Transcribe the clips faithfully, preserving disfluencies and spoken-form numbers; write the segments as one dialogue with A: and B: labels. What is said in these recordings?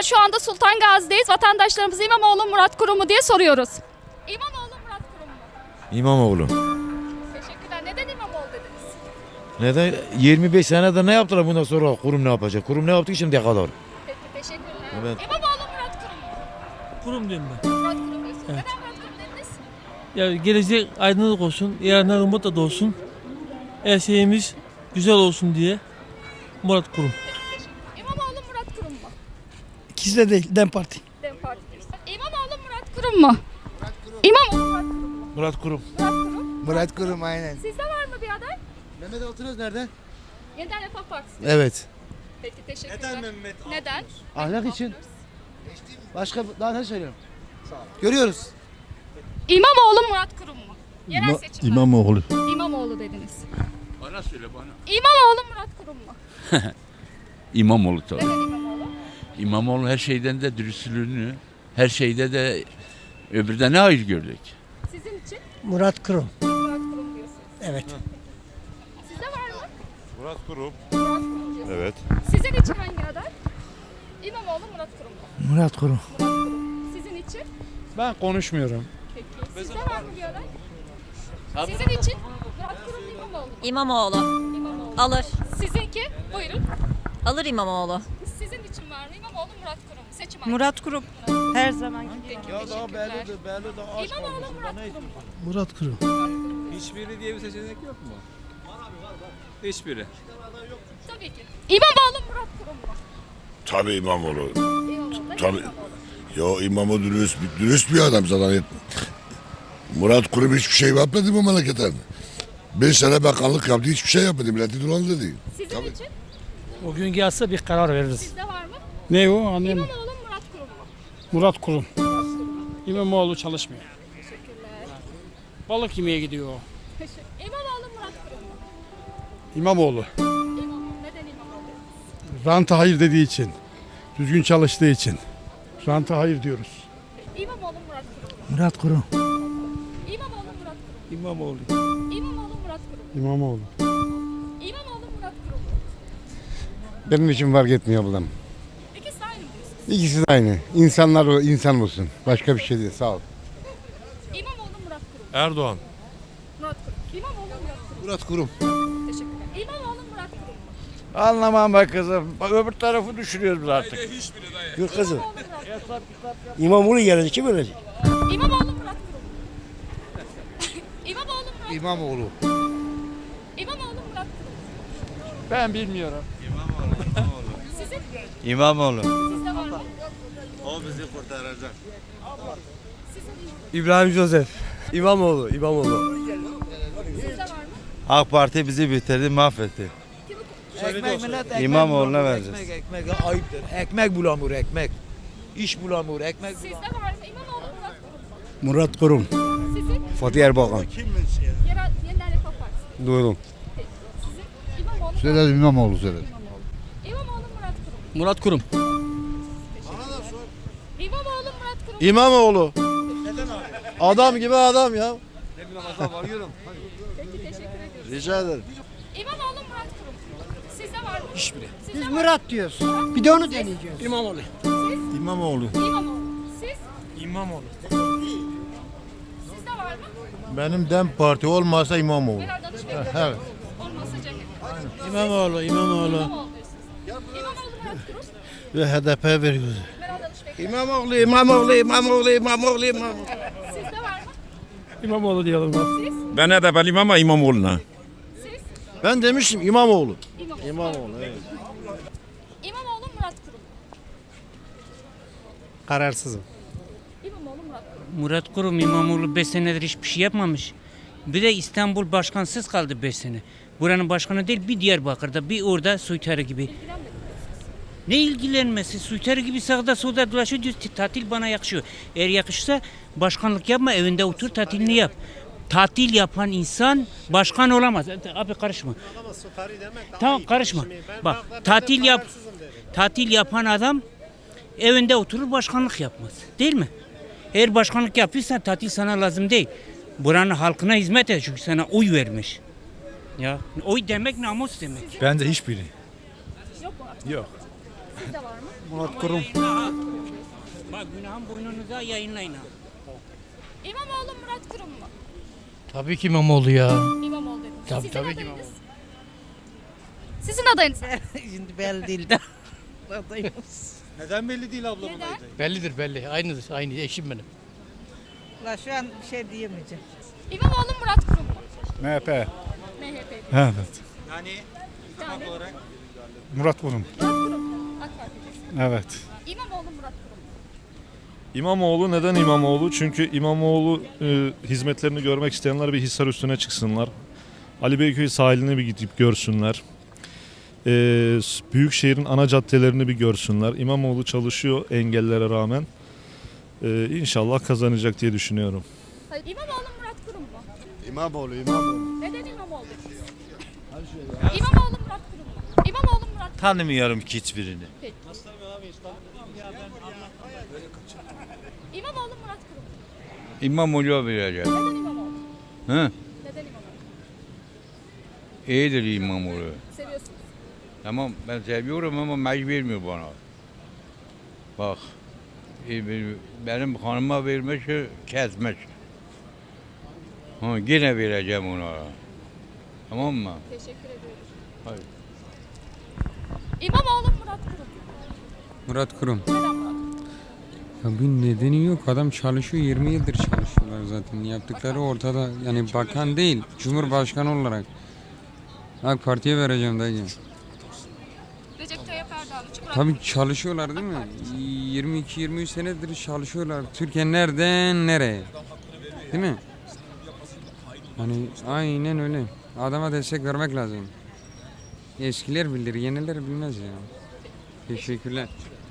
A: Şu anda Sultan Gazi'deyiz. Vatandaşlarımız İmamoğlu Murat Kurum mu diye soruyoruz. İmamoğlu Murat Kurum mu?
B: İmamoğlu.
A: Teşekkürler. Neden İmamoğlu dediniz?
B: Neden? yirmi beş senede ne yaptılar bundan sonra? Kurum ne yapacak? Kurum ne yaptı ki şimdiye kadar?
A: Peki teşekkürler.
B: Evet.
A: İmamoğlu Murat Kurum mu?
C: Kurum diyorum ben.
A: Murat Kurum diyorsunuz.
C: Evet.
A: Neden Murat Kurum dediniz?
C: Ya gelecek aydınlık olsun, yarınlar umutla da olsun. Her şeyimiz güzel olsun diye Murat Kurum.
A: İmamoğlu Murat Kurum mu?
D: İkisi de değil, DEM Parti.
A: Dem Parti diyorsun. İmamoğlu Murat Kurum mu? Murat Kurum. İmamoğlu Murat Kurum mu?
B: Murat Kurum.
A: Murat Kurum.
E: Murat Kurum aynen.
A: Sizde var mı bir aday?
E: Mehmet Altınöz nerede?
A: Yeniden Refah Partisi.
E: Evet.
A: Peki teşekkürler. Neden Mehmet Neden?
E: Ahlak için. Başka daha ne söylüyorum? Görüyoruz.
A: İmamoğlu Murat Kurum mu? Yerel
F: İma-
A: seçimler.
F: İmamoğlu.
A: İmamoğlu dediniz.
G: Bana söyle bana.
A: İmamoğlu Murat Kurum mu?
G: İmamoğlu tabii.
A: Neden İmamoğlu?
G: İmamoğlu her şeyden de dürüstlüğünü, her şeyde de öbürde ne hayır gördük.
A: Sizin için
D: Murat Kurum.
A: Murat Kurum diyorsunuz.
D: Evet.
A: Sizde var mı?
F: Murat Kurum.
A: Murat Kurum diyorsunuz.
F: Evet.
A: Sizin için hangi aday? İmamoğlu Murat Kurum mu?
D: Murat Kurum.
A: Murat Kurum. Sizin için?
H: Ben konuşmuyorum.
A: Peki. Sizde var mı bir aday? Sizin için Murat Kurum mu, İmamoğlu mu?
I: İmamoğlu.
A: İmamoğlu.
I: Alır.
A: Sizinki? Buyurun.
I: Alır İmamoğlu.
A: Sizin için var mı? İmamoğlu Murat Kurum. Seçim hangisi?
I: Murat Kurum. Her zaman.
A: Peki,
B: Ya daha
A: teşekkürler.
B: belli de belli de aşk
A: İmamoğlu
B: olmuş.
A: Murat
B: Ne
A: Kurum mu?
D: Murat Kurum.
H: Hiçbiri diye bir seçenek yok mu? Hiçbiri.
A: Tabii ki. İmamoğlu Murat Kurum mu?
J: Tabii İmamoğlu.
A: İmamoğlu. Neden
J: Tabii.
A: İmamoğlu?
J: Yo İmamoğlu dürüst, dürüst bir adam zaten. Murat Kurum hiçbir şey yapmadı bu memleketten. Beş sene bakanlık yaptı, hiçbir şey yapmadı. Milleti dolandırdı.
A: Sizin için?
H: O gün gelse bir karar veririz.
A: Sizde var mı?
H: Ne o anlayamadım.
A: İmamoğlu Murat Kurum mu?
H: Murat Kurum. İmamoğlu çalışmıyor. Balık yemeye gidiyor o.
A: Teşekkür. İmamoğlu Murat Kurum mu?
F: İmamoğlu.
A: İmamoğlu. Neden İmamoğlu?
F: Ranta hayır dediği için. Düzgün çalıştığı için. Ranta hayır diyoruz.
A: İmamoğlu Murat Kurum mu?
D: Murat Kurum.
A: İmamoğlu Murat Kurum
H: İmamoğlu.
A: mu? İmamoğlu Murat Kurum mu?
F: İmamoğlu.
A: İmamoğlu Murat Kurum mu?
F: Benim için fark etmiyor ablam.
A: İkisi de aynı mı diyorsunuz?
F: İkisi de aynı. İnsanlar o insan olsun. Başka bir şey değil. Sağ ol.
A: İmamoğlu Murat Kurum mu?
F: Erdoğan.
A: Murat Kurum. İmamoğlu Murat Kurum mu?
E: Murat Kurum.
A: Teşekkürler. İmamoğlu Murat Kurum mu?
B: Anlamam bak kızım. Bak öbür tarafı düşünüyoruz biz artık.
E: Gül kızım.
A: İmamoğlu Murat Kurum mu?
D: İmamoğlu gelecek. Kim ölecek?
A: İmamoğlu Murat Kurum mu? İmamoğlu Murat
E: İmamoğlu.
A: İmamoğlu Murat Kurum mu?
H: Ben bilmiyorum.
A: Sizin?
B: İmamoğlu.
A: Sizde var mı?
J: O bizi kurtaracak.
B: İbrahim Joseph. İmamoğlu. İmamoğlu.
A: Sizde var mı?
B: AK Parti bizi bitirdi, mahvetti.
D: Ekmek millet ekmek.
B: İmamoğlu'na
D: bulamıyor.
B: vereceğiz.
D: Ekmek, ekmek ayıptır. Ekmek bulamıyor ekmek. İş bulamıyor ekmek.
A: Sizde var mı? İmamoğlu Murat Kurum mu?
F: Murat Kurum.
A: Sizin?
F: Fatih Erbakan.
A: Yerel, Yeniden Refah Partisi.
F: Duydum.
A: Peki. Sizin? İmamoğlu Murat
F: Söyledim İmamoğlu söyledim.
A: İmamoğlu Murat Kurum mu?
H: Murat Kurum.
A: İmamoğlu Murat Kurum mu?
B: İmamoğlu. Adam gibi adam ya.
A: Peki teşekkür ediyoruz.
B: Rica ederim.
A: İmamoğlu Murat Kurum mu? Sizde var mı?
H: Hiçbiri.
A: Sizde
D: Biz
A: var mı?
D: Murat diyoruz. Bir de onu deneyeceğiz.
H: İmamoğlu.
B: İmamoğlu.
A: İmamoğlu. Siz?
H: İmamoğlu.
A: Sizde var mı?
F: Benim DEM Parti olmasa İmamoğlu.
A: Meral Danışbey.
F: Evet.
A: Olmazsa Cemil.
H: İmamoğlu. İmamoğlu.
A: İmamoğlu diyorsunuz. İmamoğlu Murat Kurum.
F: Ve H D P veriyoruz.
A: Meral Danışbey.
D: İmamoğlu, İmamoğlu, İmamoğlu, İmamoğlu, İmamoğlu.
A: Sizde var mı?
H: İmamoğlu diyelim.
A: Siz?
J: Ben de benim ama İmamoğlu'na.
A: Siz?
B: Ben demiştim İmamoğlu.
A: İmamoğlu.
B: İmamoğlu evet.
A: İmamoğlu Murat Kurum.
H: Kararsızım.
A: İmamoğlu Murat Kurum.
K: Murat Kurum İmamoğlu beş senedir hiçbir şey yapmamış. Bir de İstanbul başkansız kaldı beş sene. Buranın başkanı değil bir Diyarbakır'da bir orada soytarı gibi. Ne ilgilenmesi? Soytarı gibi sağda solda dolaşıyor diyor. Tatil bana yakışıyor. Eğer yakışsa başkanlık yapma evinde otur tatilini yap. Tatil yapan insan başkan olamaz. Abi karışma. Tamam karışma. Bak tatil yap. Tatil yapan adam evinde oturur başkanlık yapmaz. Değil mi? Eğer başkanlık yapıyorsan tatil sana lazım değil. Buranın halkına hizmet et çünkü sana oy vermiş. Ya oy demek namus demek.
F: Bence hiçbiri.
A: Yok mu?
F: Yok.
A: Sizde var mı?
E: Murat Kurum.
K: Bak günahın boynunuza yayınlayın ha.
A: İmamoğlu Murat Kurum mu?
C: Tabii ki İmamoğlu ya.
A: İmamoğlu dediniz.
C: Tabii,
A: Sizin
C: tabii ki
A: adayınız?
C: İmamoğlu.
A: Sizin adayınız?
I: Şimdi belli değil de.
H: Neden belli değil ablamın
A: Neden?
H: adayı?
C: Bellidir belli. Aynıdır. Aynı eşim benim.
I: La şu an bir şey diyemeyeceğim.
A: İmamoğlu Murat Kurum mu?
F: M H P.
A: M H P.
F: Evet.
H: Yani
A: Yani
H: olarak
F: Murat Kurum.
A: Murat Kurum. AK Parti.
F: Evet.
A: İmamoğlu Murat Kurum.
L: İmamoğlu neden İmamoğlu? Çünkü İmamoğlu e, hizmetlerini görmek isteyenler bir Hisar üstüne çıksınlar. Ali Beyköy sahilini bir gidip görsünler. E, Büyükşehir'in ana caddelerini bir görsünler. İmamoğlu çalışıyor engellere rağmen. E, İnşallah kazanacak diye düşünüyorum.
A: Hayır. İmamoğlu Murat Kurum mu?
E: İmamoğlu, İmamoğlu.
A: Neden İmamoğlu? İmamoğlu Murat Kurum mu? İmamoğlu Murat Kurum.
B: Tanımıyorum ki hiçbirini.
A: Peki. İmamoğlu Murat Kurum.
G: İmamoğlu'ya vereceğim.
A: Neden İmamoğlu?
G: Hı?
A: Neden İmamoğlu?
G: İyidir İmamoğlu.
A: Seviyorsunuz.
G: Tamam ben seviyorum ama mecbur vermiyor bana. Bak e, be- benim hanıma vermiş kesmiş. Ha, yine vereceğim ona. Tamam mı?
A: Teşekkür ediyoruz.
G: Hayır.
A: İmamoğlu Murat Kurum.
C: Murat Kurum.
A: Neden Murat Kurum?
C: Ya bir nedeni yok. Adam çalışıyor. yirmi yıldır çalışıyorlar zaten. Yaptıkları ortada. Yani bakan değil. Cumhurbaşkanı olarak. AK Parti'ye vereceğim dayı.
A: Recep Tayyip Erdoğan için Murat
C: Tabii çalışıyorlar değil mi? yirmi iki yirmi üç senedir çalışıyorlar. Türkiye nereden nereye? Değil mi? Hani aynen öyle. Adama destek vermek lazım. Eskiler bilir, yeniler bilmez ya. Teşekkürler.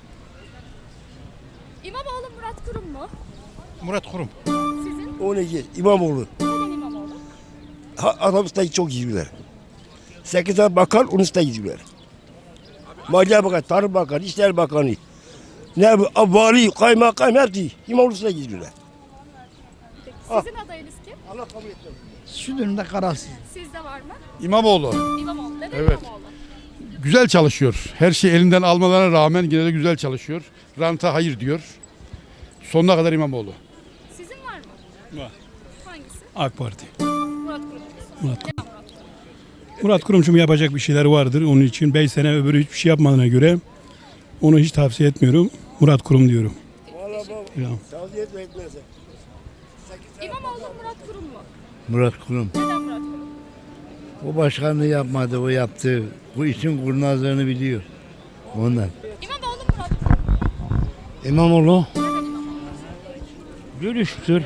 A: İmamoğlu Murat Kurum mu?
F: Murat Kurum.
A: Sizin?
E: O ne ki? İmamoğlu.
A: Neden İmamoğlu?
E: Ha, adam üstüne çok gidiyorlar. Sekiz tane bakan onun üstüne gidiyorlar. Maliye Bakanı, Tarım Bakanı, İşler Bakanı. Ne bu? Vali, kaymakam hepsi İmamoğlu üstüne gidiyorlar.
A: Peki. Sizin adayınız kim?
E: Allah kabul etsin.
F: Şu dönemde kararsız.
A: Sizde var mı?
F: İmamoğlu.
A: İmamoğlu. Neden
F: Evet.
A: İmamoğlu?
F: Güzel çalışıyor. Her şeyi elinden almalarına rağmen yine de güzel çalışıyor. Ranta hayır diyor. Sonuna kadar İmamoğlu.
A: Sizin var mı?
F: Var.
A: Hangisi?
F: AK Parti.
A: Murat Kurum.
F: Murat
A: Neden Murat Kurum?
F: Murat Kurum'cum yapacak bir şeyler vardır. Onun için beş sene öbürü hiçbir şey yapmadığına göre onu hiç tavsiye etmiyorum. Murat Kurum diyorum. Ya.
E: Tavsiye etme etmezse.
A: İmamoğlu Murat Kurum mu?
B: Murat Kurum.
A: Neden Murat Kurum?
B: O başkanlığı yapmadı, o yaptı. Bu işin kurnazlığını biliyor. Ondan.
A: İmamoğlu Murat Kurum.
B: İmamoğlu
A: Neden İmamoğlu?
C: Dürüsttür.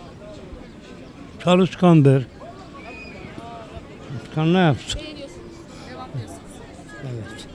C: Çalışkandır. Çalışkan ne yapsın?
A: Beğeniyorsunuz. Devam diyorsunuz.
C: Evet.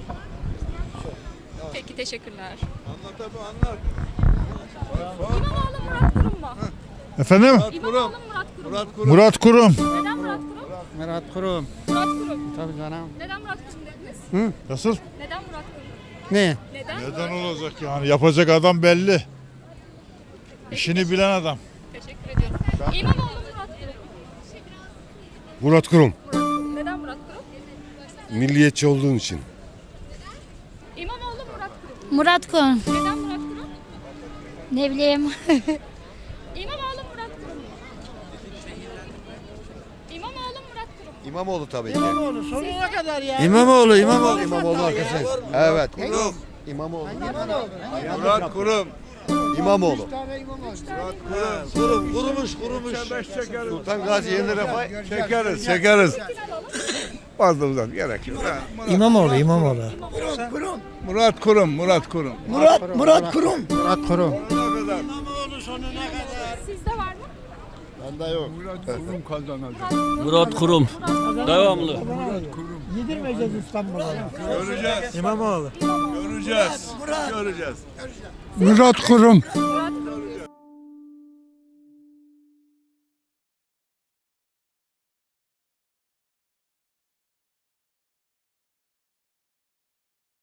A: Peki teşekkürler. Anlat abi anlat. İmamoğlu Murat Kurum mu?
F: Efendim?
A: İmamoğlu Murat Kurum. Murat Kurum.
F: Murat Kurum.
A: Neden Murat Kurum?
C: Murat Kurum.
A: Murat Kurum.
C: Tabii canım.
A: Neden Murat Kurum dediniz?
F: Nasıl?
A: Neden Murat Kurum?
C: Ne?
A: Neden?
F: Neden olacak yani? Yapacak adam belli. İşini bilen adam.
A: Teşekkür ediyorum. İmamoğlu Murat Kurum.
E: Murat Kurum.
A: Murat Kurum. Neden Murat Kurum?
E: Milliyetçi olduğun için.
A: İmamoğlu Murat Kurum.
M: Murat Kurum.
A: Neden Murat Kurum?
M: Ne bileyim.
A: İmamoğlu Murat Kurum. İmamoğlu Murat Kurum.
E: İmamoğlu tabii ki.
I: İmamoğlu sonuna kadar ya.
E: İmamoğlu, İmamoğlu. İmamoğlu arkadaşlar. Evet. Kurum. İmamoğlu.
L: Murat Kurum.
E: İmamoğlu. Kurum, kurumuş, kurumuş. Sultan Gazi Yeni Refah.
L: Çekeriz, çekeriz. Fazla uzak gerek yok.
C: İmamoğlu, İmamoğlu.
L: Murat Kurum, Murat Kurum.
E: Murat, Murat Kurum.
C: Murat Kurum.
A: Sizde var mı?
E: Bende yok.
C: Murat Kurum. Devamlı.
F: Yedirmeyeceğiz İstanbul'a.
L: Göreceğiz.
C: İmamoğlu.
L: Göreceğiz. Göreceğiz.
F: Murat Kurum.